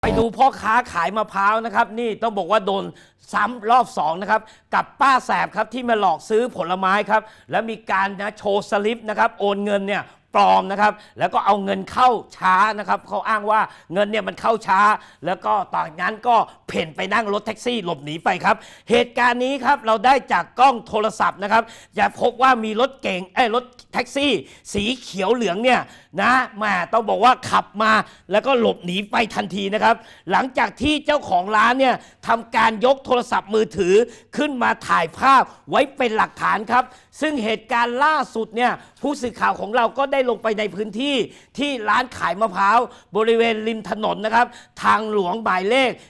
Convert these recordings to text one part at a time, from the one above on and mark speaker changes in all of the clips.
Speaker 1: ไปดูพ่อค้าขายมะพร้าวนะครับนี่ต้องบอกว่าโดนซ้ำรอบ2นะครับกับป้าแสบครับที่มาหลอกซื้อผลไม้ครับแล้วมีการโชว์สลิปนะครับโอนเงินเนี่ยปลอมนะครับแล้วก็เอาเงินเข้าช้านะครับเขาอ้างว่าเงินเนี่ยมันเข้าช้าแล้วก็ตอนนั้นก็เพ่นไปนั่งรถแท็กซี่หลบหนีไปครับเหตุการณ์นี้ครับเราได้จากกล้องโทรศัพท์นะครับจะพบว่ามีรถเก๋งรถแท็กซี่สีเขียวเหลืองเนี่ยนะแม่ต้องบอกว่าขับมาแล้วก็หลบหนีไปทันทีนะครับหลังจากที่เจ้าของร้านเนี่ยทำการยกโทรศัพท์มือถือขึ้นมาถ่ายภาพไว้เป็นหลักฐานครับซึ่งเหตุการณ์ล่าสุดเนี่ยผู้สื่อข่าวของเราก็ได้ลงไปในพื้นที่ที่ร้านขายมะพร้าวบริเวณริมถนนนะครับทางหลวงหมายเลข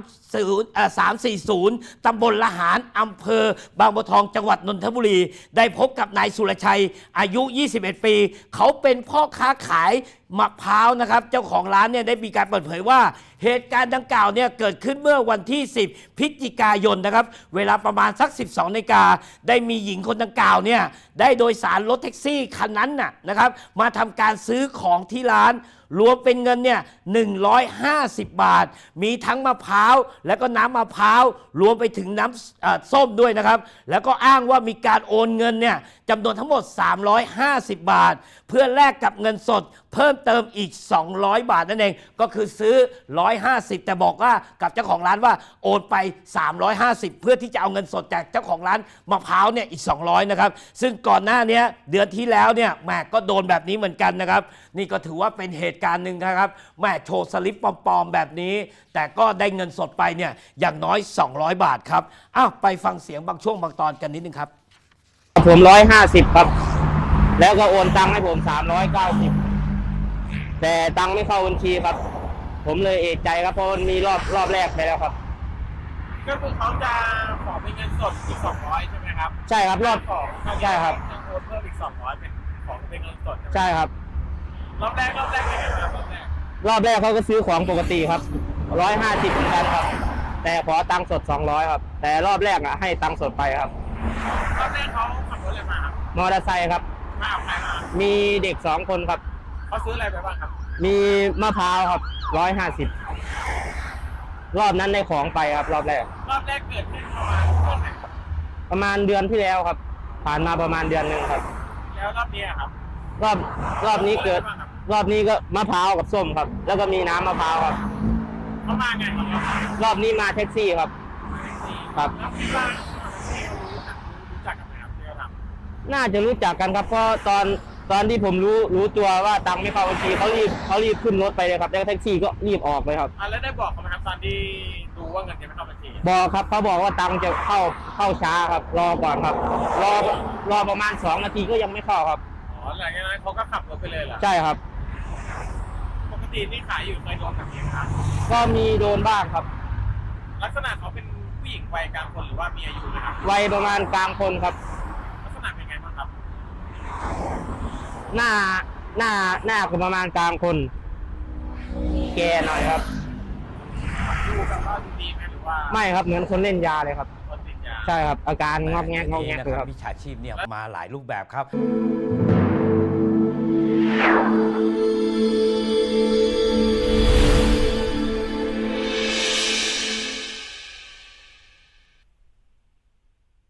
Speaker 1: 340ตำบลละหารอำเภอบางบัวทองจังหวัดนนทบุรีได้พบกับนายสุรชัยอายุ21ปีเขาเป็นพ่อค้าขายมะพร้าวนะครับเจ้าของร้านเนี่ยได้มีการเปิดเผยว่าเหตุการณ์ดังกล่าวเนี่ยเกิดขึ้นเมื่อวันที่10พฤศจิกายนนะครับเวลาประมาณสัก12 นาฬิกาได้มีหญิงคนดังกล่าวเนี่ยได้โดยสารรถแท็กซี่คันนั้นนะครับมาทำการซื้อของที่ร้านรวมเป็นเงินเนี่ย150 บาทมีทั้งมะพร้าวแล้วก็น้ำมะพร้าวรวมไปถึงน้ำส้มด้วยนะครับแล้วก็อ้างว่ามีการโอนเงินเนี่ยจำนวนทั้งหมด350 บาทเพื่อแลกกับเงินสดเพิ่มเติมอีก200 บาทนั่นเองก็คือซื้อ150แต่บอกว่ากับเจ้าของร้านว่าโอนไป350เพื่อที่จะเอาเงินสดจากเจ้าของร้านมะพร้าวเนี่ยอีก200นะครับซึ่งก่อนหน้านี้เดือนที่แล้วเนี่ยแม่ก็โดนแบบนี้เหมือนกันนะครับนี่ก็ถือว่าเป็นเหตุการณ์หนึ่งนะครับแม่โชว์สลิปปลอมๆแบบนี้แต่ก็ได้เงินสดไปเนี่ยอย่างน้อย200 บาทครับอ้าวไปฟังเสียงบางช่วงบางตอนกันนิดนึงครับ
Speaker 2: ผม150ครับแล้วก็โอนตังค์ให้ผม390แต่ตังค์ไม่เข้าบัญชีครับผมเลยเอะใจครับเพราะมันมีรอบแรกไปแล้วครับ
Speaker 3: ก็คือเขาจะขอเป็นเงินสดอีก200ใช่ไหมครับ
Speaker 2: ใช่ครับใช่ครับ
Speaker 3: จะโอนเพิ่มอีก200เป็นของเป็นเงินสด
Speaker 2: ใช่ครับ
Speaker 3: รอบแรกเป็นไงครับ
Speaker 2: รอบแรกเขาก็ซื้อของปกติครับ150เหมือนกันครับแต่ขอตังค์สด200ครับแต่รอบแรกให้ตังค์สดไปครับ
Speaker 3: รอบแรกเขาขับรถอะไรมาครับ
Speaker 2: มอเตอร์ไซค์ครับ
Speaker 3: มาเอาใครมา
Speaker 2: มีเด็ก2 คนครับ
Speaker 3: เขาซื้ออะไรไปบ้างครับ
Speaker 2: มีมะพร้าวครับ150รอบนั้นได้ของไปครับรอบแรก
Speaker 3: เกิดขึ้นประมาณเดือนไหน
Speaker 2: ประมาณเดือนที่แล้วครับผ่านมาประมาณเดือนนึงครับ
Speaker 3: แล้วรอบนี้ครับ
Speaker 2: รอบนี้เกิดรอบนี้ก็มะพร้าวกับส้มครับแล้วก็มีน้ำมะพร้าวครับ
Speaker 3: เขามาไงครับ
Speaker 2: รอบนี้มาแท็กซี่ครับครับ
Speaker 3: แล้วที่ว่ารู้จักกันไหมครับที่เราทำ
Speaker 2: น่าจะรู้จักกันครับเพราะตอนที่ผมรู้ตัวว่าตังค์ไม่เข้าบัญชีเขารีบขึ้นรถไปเลยครับแล้วแท็กซี่ก็รีบออกไปครับ
Speaker 3: แล้วได้บอกเขาไหมครับตอนที่รู้ว่าเงินจะไม่เข้าบัญชี
Speaker 2: บอกครับเขาบอกว่าตังค์จะเข้าช้าครับรอก่อนครับรอประมาณ2 นาทีก็ยังไม่เข้าครับ
Speaker 3: หลังจากนั้นเขาก็ขับรถไปเลยเหรอ
Speaker 2: ใช่ครับ
Speaker 3: ปกติที่ขายอยู่เคยโดนแบบนี้ครับ
Speaker 2: ก็มีโดนบ้างครับ
Speaker 3: ลักษณะเขาเป็นผู้หญิงวัยกลางคนหรือว่ามีอายุนะครับ
Speaker 2: วัยประมาณกลางคนครับ
Speaker 3: ลักษณะเป็นไงบ้างครับ
Speaker 2: หน้าก็ประมาณกลางคนแก่หน่อยครับ
Speaker 3: ดูแบบว่าดีไหมหรือว่า
Speaker 2: ไม่ครับเหมือนคนเล่นยาเลยครับ
Speaker 3: คนติดยา
Speaker 2: ใช่ครับอาการงอกแงก
Speaker 1: เลยครับมิจฉาชีพเนี่ยมาหลายรูปแบบครับ